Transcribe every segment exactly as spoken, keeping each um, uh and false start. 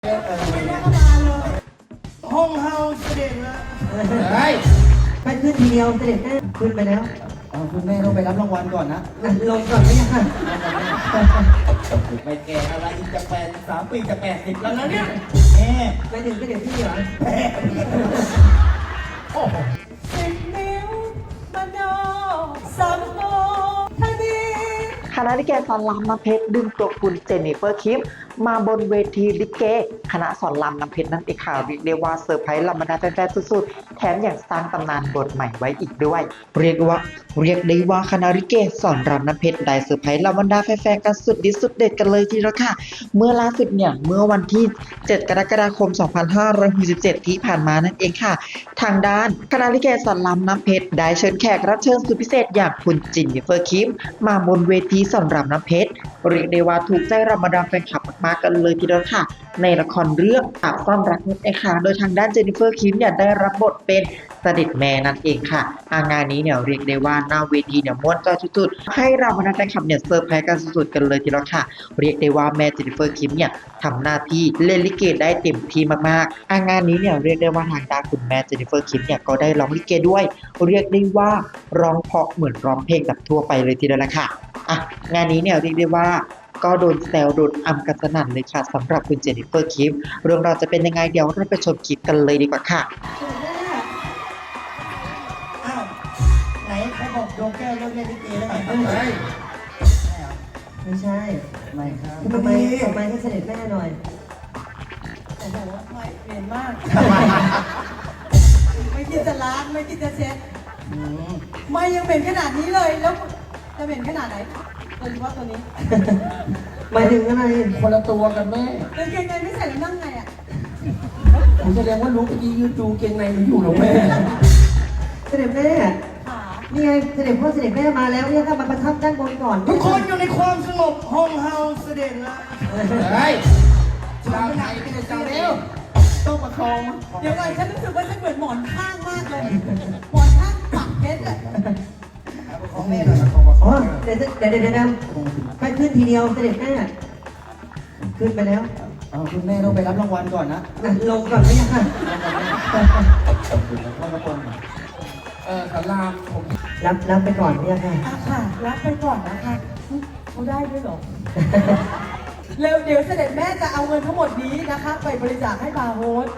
ไม่ได้เข้ามาเลยห้องเฮาเสด็จแล้วเฮ้ยไปขึ้นทีเดียวเสด็จแม่ขึ้นไปแล้วเอาคุณแม่ต้องไปรับรางวัลก่อนนะลงก่อนไม่ยังค่ะไปแก่อะไรอีกจะแปดสามปีจะแปดสิบแล้วนะเนี่ยแม่ไปถึงก็เดี๋ยวพี่เหรอแม่โอ้โหสิบนิ้วบันโดสามโตทันทีคณะลิเกสอนรามน้ำเพชรดึงตัวคุณเจนนิเฟอร์คิมมาบนเวทีลิเกคณะสอนรามน้ำเพชรนั่นเองค่ะเรียกได้ว่าเซอร์ไพรส์ลำบรรดาแฟนๆสุดๆแถมอย่างสร้างตำนานบทใหม่ไว้อีกด้วยเรียกว่าเรียกได้ว่าคณะลิเกสอนรามน้ำเพชรได้เซอร์ไพรส์ลำบรรดาแฟนๆกันสุดดิสุดเด็ดกันเลยทีเดียวค่ะเมื่อล่าสุดเนี่ยเมื่อวันที่เจ็ดกรกฎาคมสองพันห้าร้อยหกสิบเจ็ดที่ผ่านมานั่นเองค่ะทางด้านคณะลิเกสอนรามน้ำเพชรได้เชิญแขกรับเชิญสุดพิเศษอย่างคุณเจนนิเฟอร์คิมมาบนเวทีสอนรามน้ำเพชรเรียกได้ว่าถูกใจรำบรรดาแฟนคลับมากๆกันเลยทีเดียวค่ะในละครเรื่องปากซ่อนรักนั่นเองค่ะโดยทางด้านเจนนิเฟอร์คิมเนี่ยได้รับบทเป็นเสด็จแม่นั่นเองค่ะงานนี้เนี่ยเรียกได้ว่าหน้าเวทีเนี่ยม้วนจอยสุดๆให้เราบรรดาแฟนคลับเนี่ยเซอร์ไพรส์กันสุดๆกันเลยทีเดียวค่ะเรียกได้ว่าแม่เจนนิเฟอร์คิมเนี่ยทำหน้าที่เล่นลิเกได้เต็มที่มากๆงานนี้เนี่ยเรียกได้ว่าทางด้านคุณแม่เจนนิเฟอร์คิมเนี่ยก็ได้ร้องลิเกด้วยเรียกได้ว่าร้องเพราะเหมือนร้องเพลงแบบทั่วไปเลยทีเดียวละค่ะอ่ะงานนี้เนี่ยเรียกได้ว่าก็โดนแซวโดนอำกันสนั่นเลยค่ะสำหรับคุณเจนนิเฟอร์คิมเรื่องราวจะเป็นยังไงเดี๋ยวเราไปชมคลิปกันเลยดีกว่าค่ะอ้าวไหนใครบอกโยงแก้วเลิกเล่นลิเกแล้วไงเฮ้ยไม่ใช่ไม่ครับทำไมทำไมให้เสด็จแม่หน่อยโอ้โหไม่เปลี่ยนมากไม่คิดจะล้างไม่คิดจะเช็ดไม่ยังเป็นขนาดนี้เลยแล้วจะเป็นขนาดไหนโดยเฉพาะตัวนี้หมายถึงอะไรคนละตัวกันแม่กางเกงในไม่ใส่แล้วนั่งไงอ่ะผมแสดงว่ารู้เมื่อกี้ยืนดูเกงในหนูอยู่หรอแม่เสด็จแม่นี่ไงเสด็จพ่อเสด็จแม่มาแล้วเนี่ยก็มาประทับด้านบนก่อนทุกคนอยู่ในความสงบห้องเฮาเสด็จแล้วเฮ้ยชาวไทยไม่ได้จังเร็วต้องประคองเดี๋ยวก่อนฉันรู้สึกว่าฉันเหมือนหมอนข้างมากเลยหมอนข้างปักเพชรอ่ะของแม่หน่อยของประคอ๋ออง เดี๋ยวเดี๋ยวเดี๋ยวเดี๋ยวไปขึ้นทีเดียวเสด็จแม่ขึ้นไปแล้วเอาคุณแม่ต้องไปรับรางวัลก่อนนะลงก่อนไม่ยังค่ะเออสารามผมรับรับไปก่อนไม่ยังค่ะอ่ะค่ะรับไปก่อนนะคะเขาได้ด้วยหรอเร็วเดี๋ยวเสด็จแม่จะเอาเงินทั้งหมดนี้นะคะไปบริจาคให้บาร์โฮส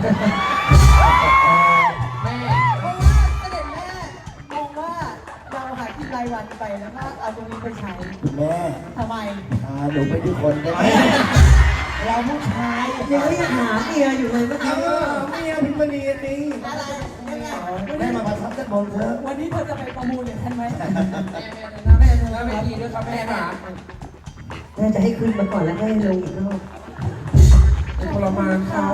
แม่เพราะว่าเสด็จแม่มองว่าเราหากินรายวันไปแล้วก็เอาตรงนี้ไปใช้แม่ทำไมอ่าหนูไปที่คนได้ไหมเราผู้ชายยังไม่หาเมียอยู่เลยเมื่อกี้เมียพิมพ์นีนี่อะไรยังไงแม่มาประทับด้านบนเถอะวันนี้เธอจะไปประมูลอย่างฉันไหมแม่แม่แม่ดีด้วยครับแม่ค่ะน่าจะให้ขึ้นมาก่อนแล้วให้ลงอีกรอบทรมานเขา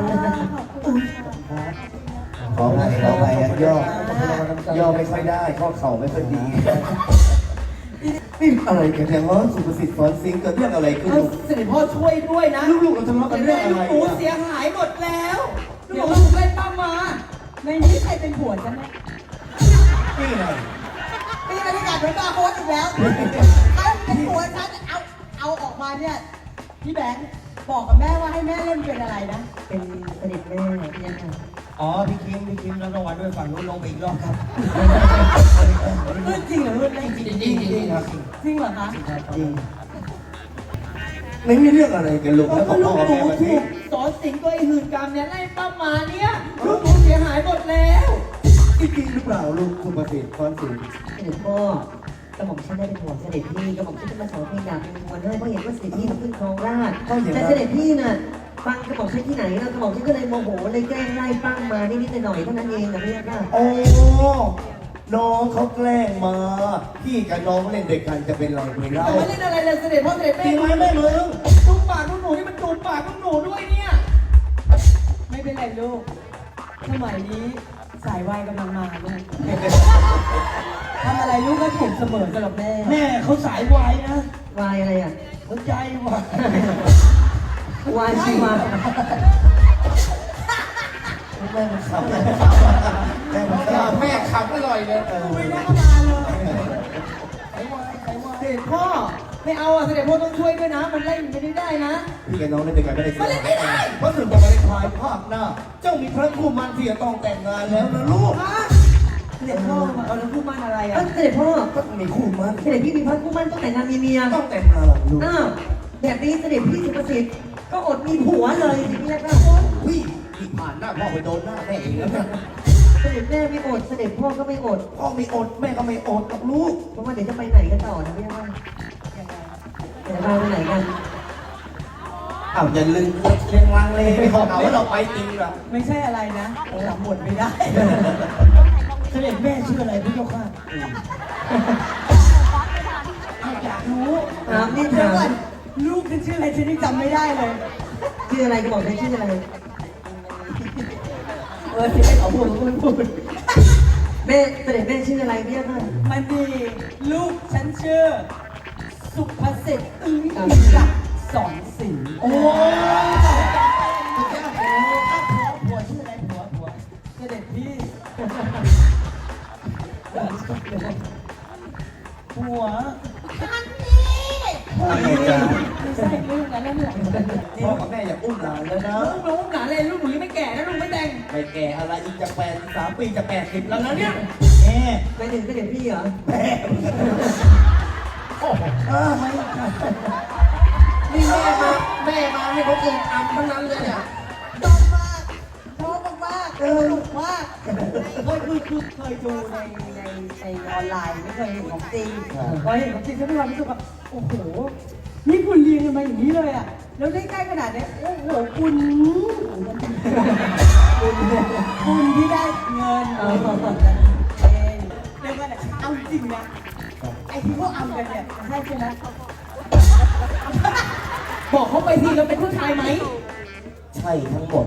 ขอไปขอไปย่อย่อไม่ค่อยได้ข้อเข่าไม่ค่อยดีนี่อะไรกันเนี่ยว่าสุภสิทธิ์สอนซิงเกิดเรื่องอะไรขึ้นเสด็จพ่อช่วยด้วยนะลูกๆเราทะเลาะกันเรื่องอะไรลูกหนูเสียหายหมดแล้วเดี๋ยวลูกเล่นป้ามาในนี้ใครเป็นผัวฉันไหมนี่ไงนี่บรรยากาศเหมือนบาร์โฮสอีกแล้วถ้าเป็นผัวฉันเอาเอาออกมาเนี่ยพี่แบงค์บอกกับแม่ว่าให้แม่เล่นเป็นอะไรนะเป็นเสด็จแม่เนี่ยค่ะอ๋อพี่คิมพี่คิมรับรางวัลด้วยฝั่งนู้นลงไปอีกรอบครับรุ่นจริงเหรอรุ่นจริงจริงจริงครับจริงเหรอคะจริงไม่มีเรื่องอะไรกันลูกแล้วก็ลูกหนูถูกสอนสิงตัวไอ้หื่นกรรมเนี่ยไล่ป้ามาเนี่ยลูกหนูเสียหายหมดแล้วจริงหรือเปล่าลูกคุณประสิทธิ์สอนสิงเสด็จพ่อกระหม่อมฉันได้เป็นห่วงเสด็จพี่กระหม่อมฉันจะมาสอนเพลงดาบเป็นมวลให้เพราะเห็นว่าเสด็จพี่ขึ้นครองราชแต่เสด็จพี่น่ะฟังกระหม่อมฉันที่ไหนแล้วกระหม่อมฉันก็เลยโมโหเลยแกล้งไล่ปั้งมานิดๆหน่อยๆเท่านั้นเองนะพี่ค่ะโอ้น้องเขาแกล้งมาพี่กับน้องเล่นเด็กกันจะเป็นไรไปเล่าไม่เล่นอะไรเลยเสด็จพ่อเสด็จแม่จริงไหมแม่มึงจูบปากลูกหนูนี่มันจูบปากลูกหนูด้วยเนี่ยไม่เป็นไรลูกสมัยนี้สายวายกำลังมาลูกทำอะไรลูกก็ถูกเสมอสำหรับแม่แม่เขาสายวายนะวายอะไรอ่ะหัวใจวายวายชีวาแม่มันขับแม่มันขับแม่ขับอร่อยเลยไม่ได้เข้ามาเลยใครวายใครวายเด็กพ่อไม่เอาอ่ะเสด็จพ่อต้องช่วยด้วยนะ มันไล่ไม่ได้ได้นะพี่กับน้องเล่นด้วยกันไม่ได้เสียมันเล่นไม่ได้เพราะถึงบอกว่าในภายภาคหน้า เจ้ามีพระคู่มันที่จะต้องแต่งงานแล้วนะลูกฮะเสด็จพ่อมาเอาแล้วพูดมันอะไรเอ้อ่ะยเสด็จพ่อต้องมีคู่มันเสด็จพี่มีพระคู่มั่นต้องแต่งงานมีเมียต้องแต่งงานลูกอ้าวแบบนี้เสด็จพี่สุภสิทธิ์ก็อดมีผัวเลยสิพี่ค่ะพี่พี่ผ่านหน้าพ่อไปโดนหน้าแม่เองแล้วนะเสด็จแม่ไม่อดเสด็จพ่อก็ไม่อดพ่อไม่อดแม่ก็ไม่อดกับลูกเพราะว่าเดี๋ยวจะไปไหนกันต่อนะพี่ค่ะเดี๋ยวเราไปไหนกันอ้าวอย่าลืมเรียงลังเลยไม่บอกเอาว่าเราไปจริงหรอไม่ใช่อะไรนะจำบทไม่ได้ เสด็จแม่ชื่ออะไรพี่เจ้าค่ะอยากรู้ถามนี่เดี๋ยถาวก่อนมลูกฉันชื่ออะไรฉันยังจำไม่ได้เลยชื่ออะไรก็บอกได้ชื่ออะไรเออที่ให้เขาพูดเขาก็ไม่พูดแม่เสด็จแม่ชื่ออะไรพี่ค่ะมันดีลูกฉันชื่อ สุภสิทธิ์อึ้งจักรสอนสิงห์โอ้ผัวชื่ออะไรผัวผัวเสด็จพี่ผัวอะไรจ๊ะไม่ใช่ลูกนั้นแล้วเนี่ยพ่อกับแม่อยากอุ้มหลานแล้วนะลูกน้องหนาเลยลูกหนูยังไม่แก่นะลูกไม่แต่งไม่แก่อะไรอีกจะแปดสามปีจะแปดสิบแล้วนะเนี่ยแม่ไปถึงเสด็จพี่เหรอแม่โอ้โหเออไม่นี่แม่มาแม่มาให้เขาตื่นทำทั้งนั้นเลยอ่ะชอบมากชอบมากๆสนุกมากเคยคือคือเคยดูในในในออนไลน์ไม่เคยเห็นของจริงพอเห็นของจริงฉันมีความรู้สึกว่าโอ้โหนี่คุณเรียนกันมาอย่างนี้เลยอ่ะแล้วได้ใกล้ขนาดนี้โอ้โหคุณคุณคุณที่ได้เงินเออเองเรียกว่าอะไรเอาจริงนะไอ้ที่พวกอำกันเนี่ยใช่ใช่ไหมบอกเขาไปทีเราเป็นผู้ชายไหมใช่ทั้งหมด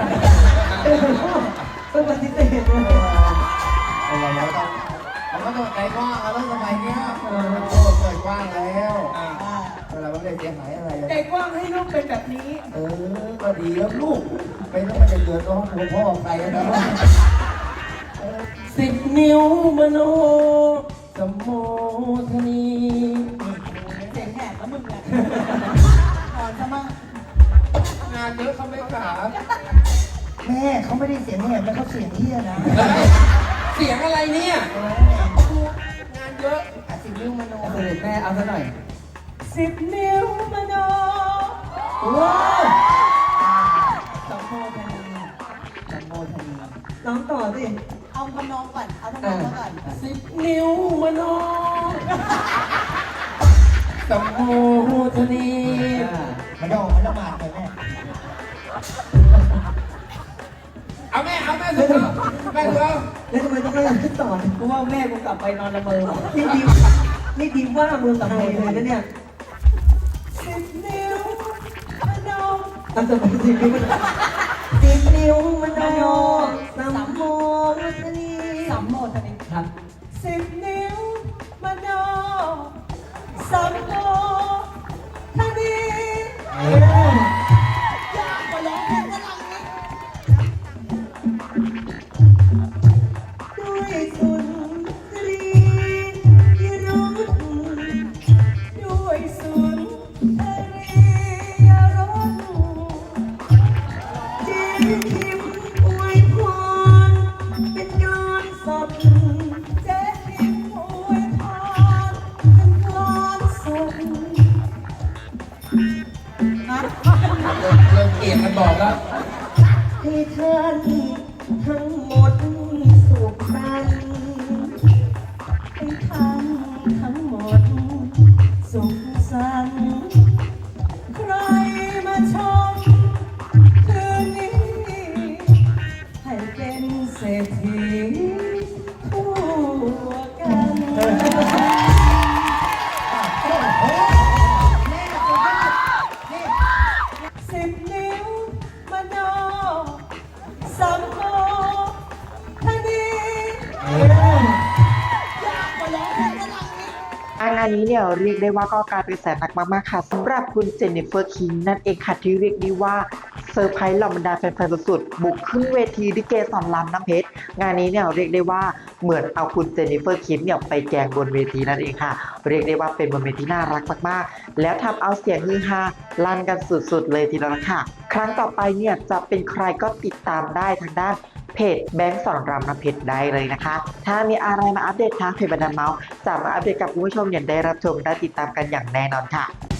ต้องปฏิเสธเลยเอาไว้แล้วต้องมันก็ต้องใจกว้างแล้วสมัยเนี้ยโอ้เปิดกว้างแล้วเวลาไม่ได้เสียหายอะไรเลยใจกว้างให้ลูกเป็นแบบนี้เออก็ดีแล้วลูกไม่ต้องมาจะเดือดร้อนตัวพ่อใครนะ สิบนิ้วมโนสมโมทนีเสียงแหบแล้วมึงอะนอนซะมั่งงานเยอะเขาไม่ขาแม่เขาไม่ได้เสียงแหบแล้วเขาเสียงเฮี้ยนะเสียงอะไรเนี่ยงานเยอะอ่ะสิบนิ้วมโนเสด็จแม่เอาซะหน่อยสิบนิ้วมโนว้าวสมโภชนีสมโภชนีร้องต่อสิเอาทำนองก่อน เอาทำนองก่อนสิบนิ้วมโนสมโมทนีมันต้องมันต้องมาเลยแม่เอาแม่เอาแม่สุดเอาแม่สุดเอาแล้วทำไมต้องให้ขึ้นต่อกูว่าแม่กูกลับไปนอนละเมอนี่ดีนี่ดีว่าเมืองไทยเลยนะเนี่ยสิบนิ้วมโนทำสมัยสิบนิ้วมันสิบนิ้วมันโนสัมโมทนีสามโมชนีครับสิบนิ้วมโนสามโมชนียากกว่าร้องเพลงฝรั่งอีกด้วยสุนทรียรุธด้วยสุนทรียรสเจนทิมอวยพรเป็นการสดเจ๊พิมอวยพรเป็นกลอนสดนะเริ่มเกลียดกันบอกแล้วให้ท่านทั้งหมดสุขสันต์ให้ท่านทั้งหมดสุขสันต์ใครมาชมคืนนี้ ให้เป็นเศรษฐีทั่วกัน สิบนิ้วมโนสัมโภชนียากกว่าร้องเพลงฝรั่งอีกงานนี้เนี่ยเรียกได้ว่าก็กลายเป็นแสนหนักมากๆค่ะสำหรับคุณเจนนิเฟอร์คิงนั่นเองค่ะที่เรียกได้ว่าเซอร์ไพรส์เหล่าบรรดาแฟนๆสุดๆบุกขึ้นเวทีลิเกสอนรามน้ำเพชรงานนี้เนี่ยเรียกได้ว่าเหมือนเอาคุณเจนนิเฟอร์คิมเนี่ยไปแกล้งบนเวทีนั่นเองค่ะเรียกได้ว่าเป็นบนเวทีน่ารักมากๆแล้วทำเอาเสียงฮือฮาลั่นกันสุดๆเลยทีเดียวละค่ะครั้งต่อไปเนี่ยจะเป็นใครก็ติดตามได้ทางด้านเพจแบงค์สอนรามน้ำเพชรได้เลยนะคะถ้ามีอะไรมาอัปเดตทางเพจบันเทิงเมาส์จะมาอัปเดตกับคุณผู้ชมอย่างได้รับชมได้ติดตามกันอย่างแน่นอนค่ะ